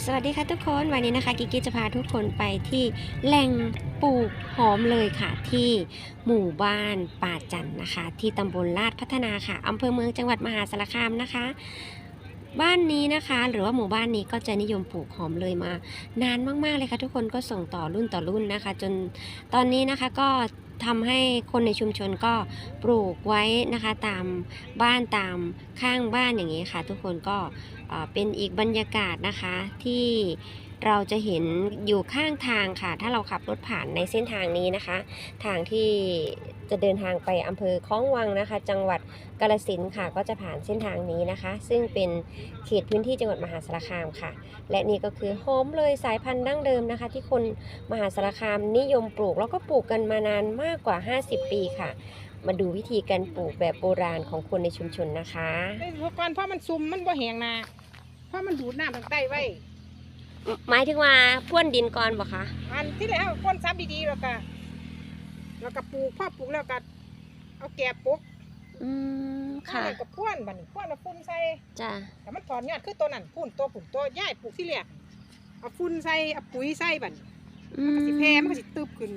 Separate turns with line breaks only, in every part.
สวัสดีค่ะทุกคนวันนี้นะคะกิกกี้จะพาทุกคนไปที่แหล่งปลูกหอมเลยค่ะที่หมู่บ้านป่าจันนะคะที่ตำบลลาดพัฒนาค่ะอำเภอเมืองจังหวัดมหาสารคามนะคะบ้านนี้นะคะหรือว่าหมู่บ้านนี้ก็จะนิยมปลูกหอมเลยมานานมากๆเลยค่ะทุกคนก็ส่งต่อรุ่นต่อรุ่นนะคะจนตอนนี้นะคะก็ทำให้คนในชุมชนก็ปลูกไว้นะคะตามบ้านตามข้างบ้านอย่างนี้ค่ะทุกคนก็เป็นอีกบรรยากาศนะคะที่เราจะเห็นอยู่ข้างทางค่ะถ้าเราขับรถผ่านในเส้นทางนี้นะคะทางที่จะเดินทางไปอำเภอคล้องวังนะคะจังหวัดกาฬสินธุ์ค่ะก็จะผ่านเส้นทางนี้นะคะซึ่งเป็นเขตพื้นที่จังหวัดมหาสารคามค่ะและนี่ก็คือหอมเลยสายพันธุ์ดั้งเดิมนะคะที่คนมหาสารคามนิยมปลูกแล้วก็ปลูกกันมานานมากกว่า50ปีค่ะมาดูวิธีการปลูกแบบโบราณของคนในชุมชนนะคะ
ไอ้หัวก่อนเพราะมันซุ่มมันบ่แห้งนาเพราะมันดูดน้ำทางใต้ไว้
หมายถึงว่าพ่วนดินก่อนบ่คะ
อันที่แล้วก้นซับดีๆแล้วก็ปลูกพอปลูกแล้วก็เอาแกบปุ๊ก
ค่ะ
กับพ่วนบัดนี้พ่วนเอาฝุ่นใส่
จ้ะ
แต่มันถอนยอดคือตัวนั้นพุ่นตัวผุ่นตัวย่ายปลูกที่แรกเอาฝุ่นใส่เอาปุ๋ยใส่บัดมันก็สิแพร่มันก็สิตึบขึ้น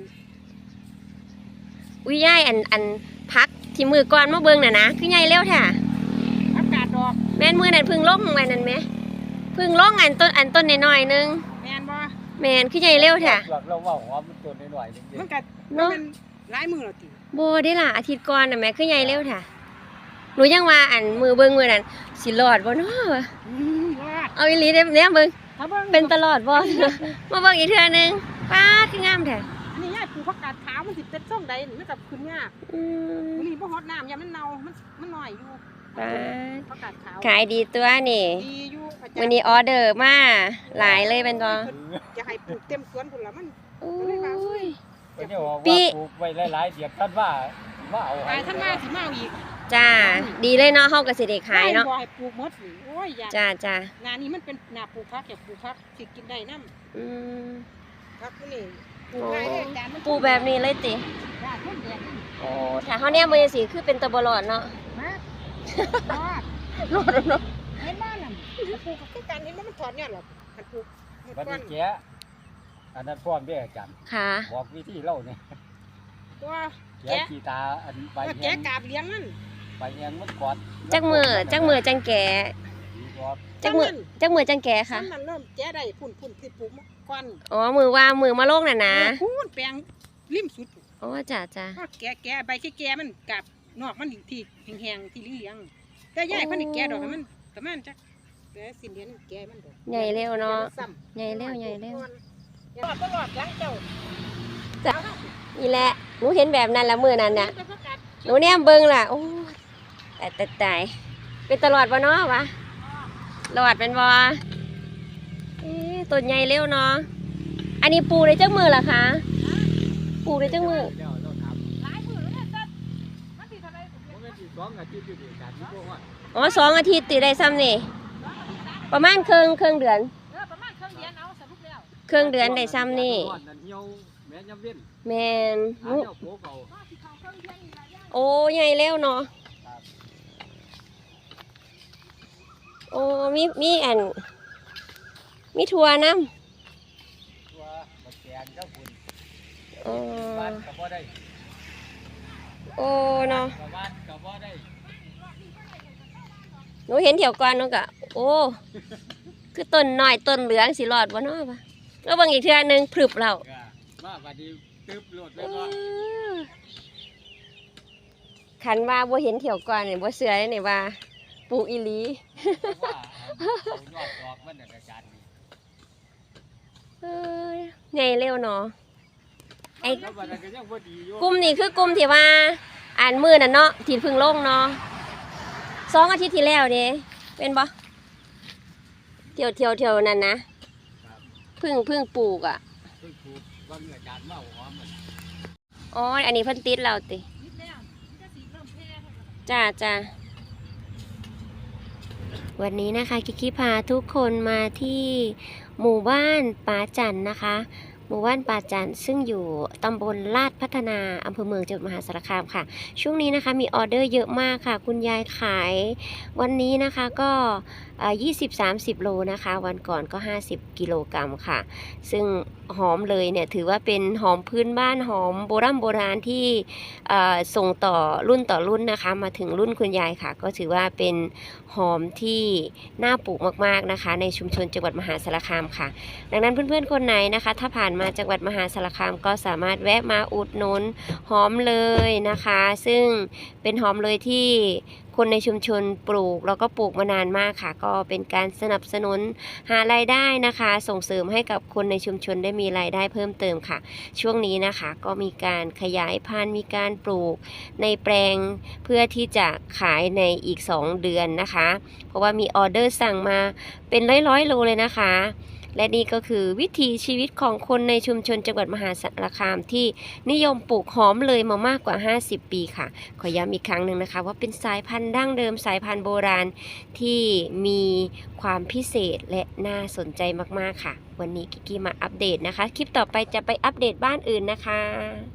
อุ้ยย่ายอันพักที่มือก่อนมาเบิ่งน่ะนะคือใหญ่เร็วแท้
อากาศดอก
แม่นมือนั่นพึ่งลงไว้นั่นไหมพึ่งลงอันต้นน้อยๆนึง
แม่นบ่
แม่นคือใหญ่เร็วแท้
เราว่าหัวมันตัวน้อยๆนึง
มันก็มันหลายมือแล้วติ
บ่ได้ล่ะอาทิตย์ก่อนน่ะแม่คือใหญ่เร็วแท้หนูยังว่าอันมือเบิ่งมือนั่นสิรอดบ่เนาะ
รอด
เอาอีหลีเด้เนี่ยเบิ่ง
ถ้าเบิ่ง
เป็นตลอดบ่ มาเบิ่งอีกเทื่อนึงป๊าดคืองามแท้
อันนี้ย่ายปลูกผักกาดขาวมันสิเป็นส้มใดนี่มันก็ขึ้นยากวันนี้บ่ฮอดน้ำยามมันเน่ามันน้อยอยู่ผักกาดขาว
ขายดีตัวนี่
ดีอยู่
วันนี้ออเดอร์มาหลายเลยเป็นบ่
อยากให้ปลูกเต็มสวนพุ่นล่ะมัน
ปีปลูกไว้หลายๆเดี๋ยวท่านว่าเอาให้
ท่านมาสิมาเอาอีก
จ้าดีเลยเนาะเฮาก็สิได้ขายเนาะ
บ่ให้ปลูกหมดโอ้ยอยาก
จ้า
งานนี้มันเป็นหน้าปลูกผักอยากปลูกผักสิกินได้นำผักนี่ปลูกง่ายเลยจานมัน
ปลูกแบบนี้เลยติ
จ้าต้นแดง
โอ้ถ้าเฮาแนมมือสิคือเป็นตะบ่รอดเนาะ
รอดเนาะเห็นบ้านน่ะปลูกคือกันเห็นว่ามันถอนยอดหรอกมันปลูก
บัดนี้แกอันนั้นพร้อมเด้ออาจารย์
ค่ะ
บอกวิธีเล่าเนี่ย
ตัว
แกขี้ตาอันใบ
แกกาบเลี้ยงนั่น
ใบแยงมันกอด
จักมือจังแก่จักมือจังแก่ค่ะ
มันเริ่มแกได้พุ่นที่ปลูกก่อน
อ๋อมือมาโลกน่ะนะ
พุ่นแปลงริมสุด
อ๋อจ้า
แกใบแกมันกับนอกมันที่แห้งๆที่เลี้ยงแต่ย่ายเพิ่นนี่แกดอกให้มันประมาณจักแต่สิ้นเดือนแกมันดอก
ใหญ่เร็วเนาะใหญ่เร็ว
รอดหลังเจ้า
จ้ะนี่แหละหนูเห็นแบบนั้นละมื้อนั้นน่ะหนูแนมเบิ่งล่ะโอ้ตายเป็นตลอดบ่เนาะวะรอดเป็นบ่ต้นใหญ่เร็วเนาะอันนี้ปลูกได้จักมื้อล่ะคะปลูกได้จักมื้อ
หลายมื้อแล้วจ้ะมันสิเท่าใด
2 อาทิตย์อยู่ดีกันนี่บ่ฮอด
อ๋อ2 อาทิตย์ติได้ซ้ำนี่ประมาณครึ่งเดือน
ประมาณครึ่งเดือนเอาสรุปแล้ว
ครึ่งเดือนได้ซ้ำนี่แม่นโอ้ใหญ่แล้วเนาะโอ้มีอันมีถั่วน้ำ
ถั่วบักแกงเจ้าคุณ
โอ้
บ้านก็บ่ได้
โอ้เนาะ
บ้านก็บ่ได้
หนูเห็นเถียวก่อนหนูก็โอ้คือต้นน้อยต้นเหลืองสิรอดบ่เนาะป่ะแล้วบางอีกเทื่อนึงพรึบแล้ว
มาบัดนี้ตึบโลดแล้วก็
ขันว่าบ่เห็นเถียวก่อนนี่บ่เชื่อได้นี่ว่าปลูกอีหลี
ยอดดอกมันอาจารย์
ใหญ่เร็วเนาะไอ้
ก
ลุ่มนี่คือกลุ่มที่ว่าอ่านมือน่ะเนาะที่พึ่งลงเนาะ2 อาทิตย์ที่แล้วเด้เป็นบ่เที่ยวนั่นนะพึ่งปลูกอ่ะอ๋ออันนี้เพิ่นติดเราติจ้าวันนี้นะคะกิกกี้พาทุกคนมาที่หมู่บ้านป่าจันนะคะ หมู่บ้านป่าจันซึ่งอยู่ตำบลลาดพัฒนาอำเภอเมืองจังหวัดมหาสารคามค่ะช่วงนี้นะคะมีออเดอร์เยอะมากค่ะคุณยายขายวันนี้นะคะก็ 20-30 โลนะคะวันก่อนก็50 กิโลกรัมค่ะซึ่งหอมเลยเนี่ยถือว่าเป็นหอมพื้นบ้านหอมโบราณที่ส่งต่อรุ่นต่อรุ่นนะคะมาถึงรุ่นคุณยายค่ะก็ถือว่าเป็นหอมที่น่าปลูกมากๆนะคะในชุมชนจังหวัดมหาสารคามค่ะดังนั้นเพื่อนๆคนไหนนะคะถ้าผ่านมาจังหวัดมหาสารคามก็สามารถแวะมาอุดหนุนหอมเลยนะคะซึ่งเป็นหอมเลยที่คนในชุมชนปลูกแล้วก็ปลูกมานานมากค่ะก็เป็นการสนับสนุนหารายได้นะคะส่งเสริมให้กับคนในชุมชนได้มีรายได้เพิ่มเติมค่ะช่วงนี้นะคะก็มีการขยายพันธุ์มีการปลูกในแปลงเพื่อที่จะขายในอีก2 เดือนนะคะเพราะว่ามีออเดอร์สั่งมาเป็นร้อยๆโลเลยนะคะและนี่ก็คือวิถีชีวิตของคนในชุมชนจังหวัดมหาสารคามที่นิยมปลูกหอมเลยมามากกว่า50 ปีค่ะขอย้ำอีกครั้งหนึ่งนะคะว่าเป็นสายพันธุ์ดั้งเดิมสายพันธุ์โบราณที่มีความพิเศษและน่าสนใจมากๆค่ะวันนี้กิกกี้มาอัปเดตนะคะคลิปต่อไปจะไปอัปเดตบ้านอื่นนะคะ